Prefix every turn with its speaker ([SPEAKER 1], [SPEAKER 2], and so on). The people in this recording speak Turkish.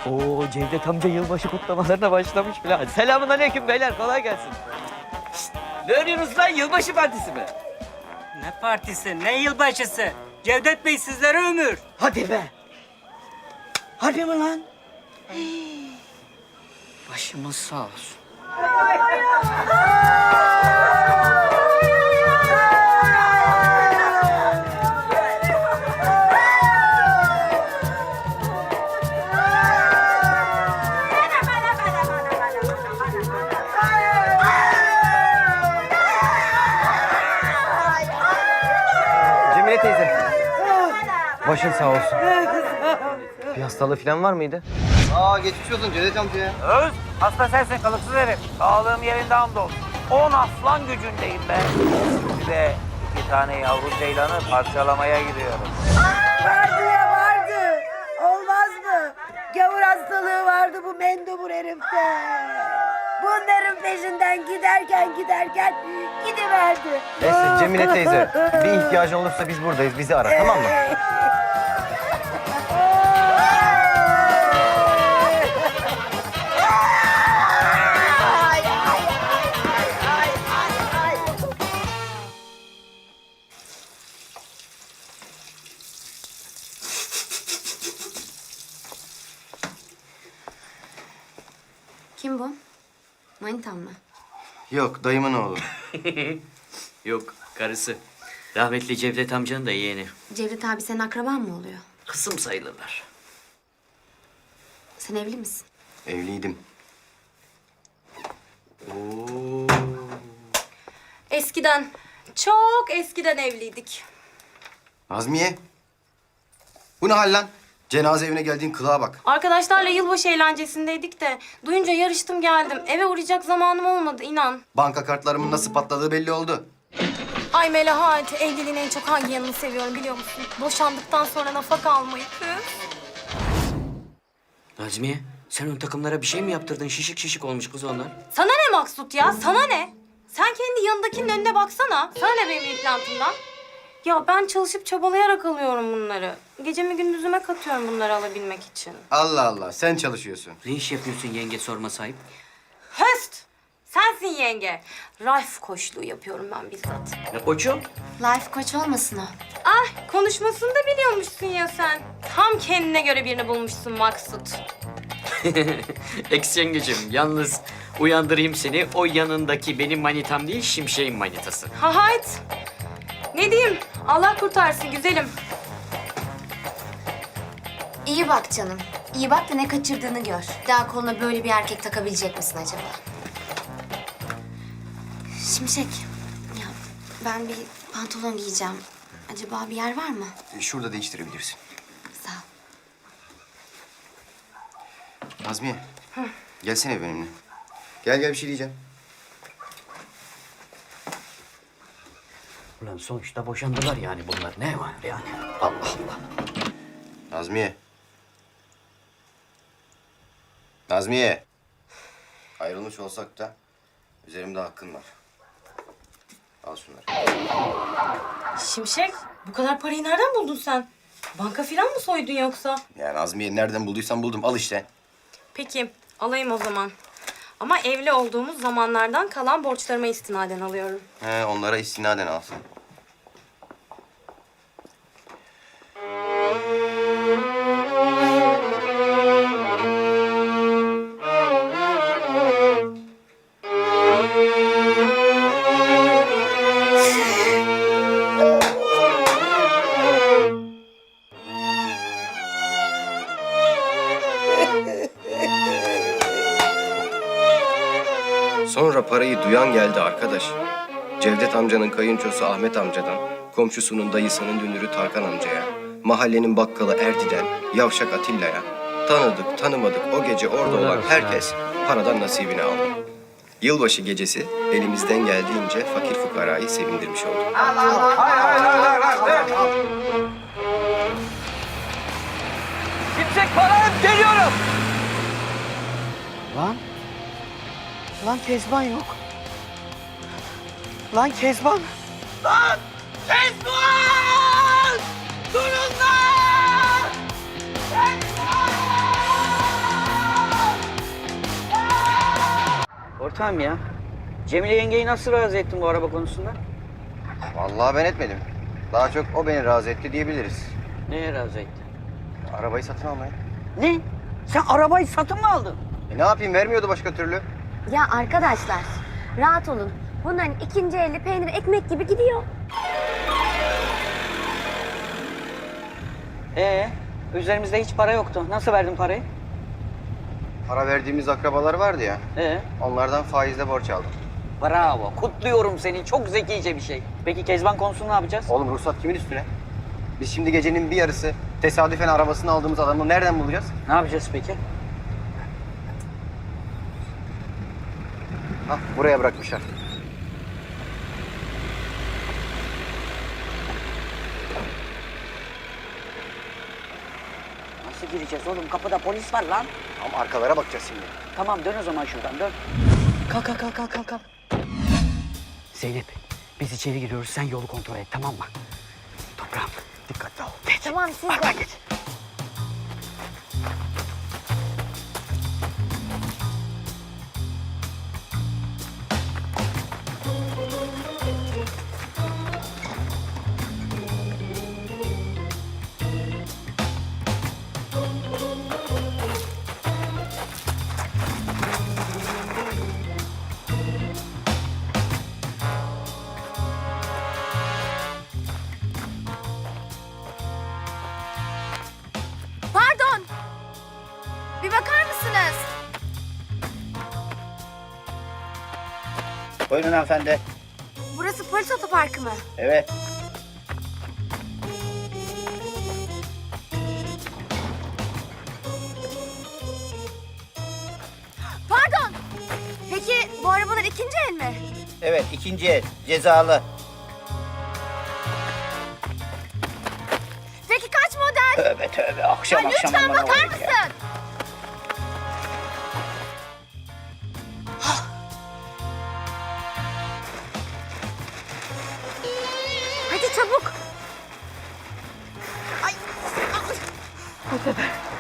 [SPEAKER 1] Oo, Cevdet amca yılbaşı kutlamalarına başlamış bile. Selamünaleyküm beyler, kolay gelsin. Şişt, ne arıyorsunuz lan, yılbaşı partisi mi?
[SPEAKER 2] Ne partisi, ne yılbaşısı? Cevdet Bey sizlere ömür.
[SPEAKER 1] Hadi be. Harbi mi lan? Başımız sağ olsun.
[SPEAKER 3] Cemile teyze. Başın sağ olsun. Bir hastalığı falan var mıydı?
[SPEAKER 4] Aa geçmiş olsun Cevdet amca.
[SPEAKER 5] Öz, hasta sensin kalıksız herif. Sağlığım yerinde hamdolsun. 10 aslan gücündeyim ben. Bir de 2 tane yavru ceylanı parçalamaya gidiyorum.
[SPEAKER 6] Vardı ya vardı. Olmaz mı? Gavur hastalığı vardı bu mendebur herifte. Bunların peşinden giderken gidiverdi.
[SPEAKER 3] Neyse Cemile teyze, bir ihtiyacın olursa biz buradayız. Bizi ara, tamam mı?
[SPEAKER 7] Kim bu? Manitan mı?
[SPEAKER 4] Yok dayımın oğlu.
[SPEAKER 1] Yok, karısı. Rahmetli Cevdet amcanın da yeğeni.
[SPEAKER 7] Cevdet abi senin akraban mı oluyor?
[SPEAKER 1] Kısım sayılırlar.
[SPEAKER 7] Sen evli misin?
[SPEAKER 4] Evliydim. Oo.
[SPEAKER 7] Eskiden, çok eskiden evliydik.
[SPEAKER 4] Nazmiye. Bu ne hal lan? Cenaze evine geldiğin kılığa bak.
[SPEAKER 7] Arkadaşlarla yılbaşı eğlencesindeydik de duyunca yarıştım geldim. Eve uğrayacak zamanım olmadı inan.
[SPEAKER 4] Banka kartlarımın nasıl patladığı belli oldu.
[SPEAKER 7] Ay Melahat, evliliğin en çok hangi yanını seviyorum biliyor musun? Boşandıktan sonra nafaka almayı.
[SPEAKER 1] Nazmiye, sen ön takımlara bir şey mi yaptırdın? Şişik şişik olmuş kız onlar.
[SPEAKER 7] Sana ne Maksut ya, sana ne? Sen kendi yanındakinin önüne baksana. Sana ne benim implantımdan? Ya ben çalışıp çabalayarak alıyorum bunları. Gecemi gündüzüme katıyorum bunları alabilmek için.
[SPEAKER 4] Allah Allah sen çalışıyorsun.
[SPEAKER 1] Ne iş yapıyorsun yenge sorma sahip?
[SPEAKER 7] Höst! Sensin yenge. Life koçluğu yapıyorum ben bizzat.
[SPEAKER 1] Ne koçum?
[SPEAKER 7] Life koç olmasın o. Ah, konuşmasını da biliyormuşsun ya sen. Tam kendine göre birini bulmuşsun Maksut.
[SPEAKER 1] Ex yengecim, yalnız uyandırayım seni. O yanındaki benim manitam değil, Şimşek'in manitası.
[SPEAKER 7] Ha hayt. Ne diyeyim? Allah kurtarsın güzelim.
[SPEAKER 8] İyi bak canım. İyi bak da ne kaçırdığını gör. Daha koluna böyle bir erkek takabilecek misin acaba? Şimşek, ya ben bir pantolon giyeceğim. Acaba bir yer var mı?
[SPEAKER 4] Şurada değiştirebilirsin.
[SPEAKER 8] Sağ ol.
[SPEAKER 4] Nazmiye. Gelsene benimle. Gel bir şey diyeceğim.
[SPEAKER 1] Ulan sonuçta boşandılar yani bunlar. Ne var yani? Allah Allah.
[SPEAKER 4] Nazmiye. Nazmiye. Ayrılmış olsak da üzerimde hakkın var. Al şunları.
[SPEAKER 7] Şimşek, bu kadar parayı nereden buldun sen? Banka filan mı soydun yoksa?
[SPEAKER 4] Ya Nazmiye nereden bulduysam buldum. Al işte.
[SPEAKER 7] Peki, alayım o zaman. Ama evli olduğumuz zamanlardan kalan borçlarıma istinaden alıyorum.
[SPEAKER 4] He, onlara istinaden alsın. Sonra parayı duyan geldi arkadaş. Cevdet amcanın kayınçosu Ahmet amcadan, komşusunun dayısının dünürü Tarkan amcaya, mahallenin bakkalı Erdi'den, yavşak Atilla'ya, tanıdık tanımadık o gece orada olan herkes paradan nasibini aldı. Yılbaşı gecesi elimizden geldiğince fakir fukarayı sevindirmiş olduk.
[SPEAKER 1] Şimşek parayım, geliyorum. Lan. Lan Kezban yok. Lan Kezban. Lan Kezban! Durun lan! Kezban! ortağım ya. Cemile yengeyi nasıl razı ettin bu araba konusunda?
[SPEAKER 3] Vallahi ben etmedim. Daha çok o beni razı etti diyebiliriz.
[SPEAKER 1] Neye razı ettin?
[SPEAKER 3] Arabayı satın almaya.
[SPEAKER 1] Ne? Sen arabayı satın mı aldın?
[SPEAKER 3] Ne yapayım, vermiyordu başka türlü.
[SPEAKER 8] Ya arkadaşlar rahat olun. Bunların ikinci eli peynir ekmek gibi gidiyor.
[SPEAKER 1] Üzerimizde hiç para yoktu. Nasıl verdin parayı?
[SPEAKER 3] Para verdiğimiz akrabalar vardı ya. Onlardan faizle borç aldım.
[SPEAKER 1] Bravo. Kutluyorum seni. Çok zekice bir şey. Peki Kezban konusunu ne yapacağız?
[SPEAKER 3] Oğlum ruhsat kimin üstüne? Biz şimdi gecenin bir yarısı tesadüfen arabasını aldığımız adamı nereden bulacağız?
[SPEAKER 1] Ne yapacağız peki?
[SPEAKER 3] Hah, buraya bırakmışlar.
[SPEAKER 1] Nasıl gireceğiz oğlum? Kapıda polis var lan.
[SPEAKER 3] Ama arkalara bakacağız şimdi.
[SPEAKER 1] Tamam dön o zaman şuradan dön. Kalk. Zeynep biz içeri giriyoruz. Sen yolu kontrol et tamam mı? Toprağım dikkatli ol. Geç.
[SPEAKER 8] Tamam siz de.
[SPEAKER 1] Arkadan geç.
[SPEAKER 8] Pardon. Bir bakar mısınız?
[SPEAKER 5] Buyurun hanımefendi.
[SPEAKER 8] Burası polis otoparkı mı?
[SPEAKER 5] Evet.
[SPEAKER 8] Pardon. Peki bu arabalar ikinci el mi?
[SPEAKER 5] Evet, ikinci el. Cezalı.
[SPEAKER 8] Peki kaç model?
[SPEAKER 5] Tövbe akşam akşam
[SPEAKER 8] Lütfen
[SPEAKER 5] bana
[SPEAKER 8] bakar
[SPEAKER 5] vurun
[SPEAKER 8] mısın?
[SPEAKER 5] ya.
[SPEAKER 8] Hadi çabuk. Ay.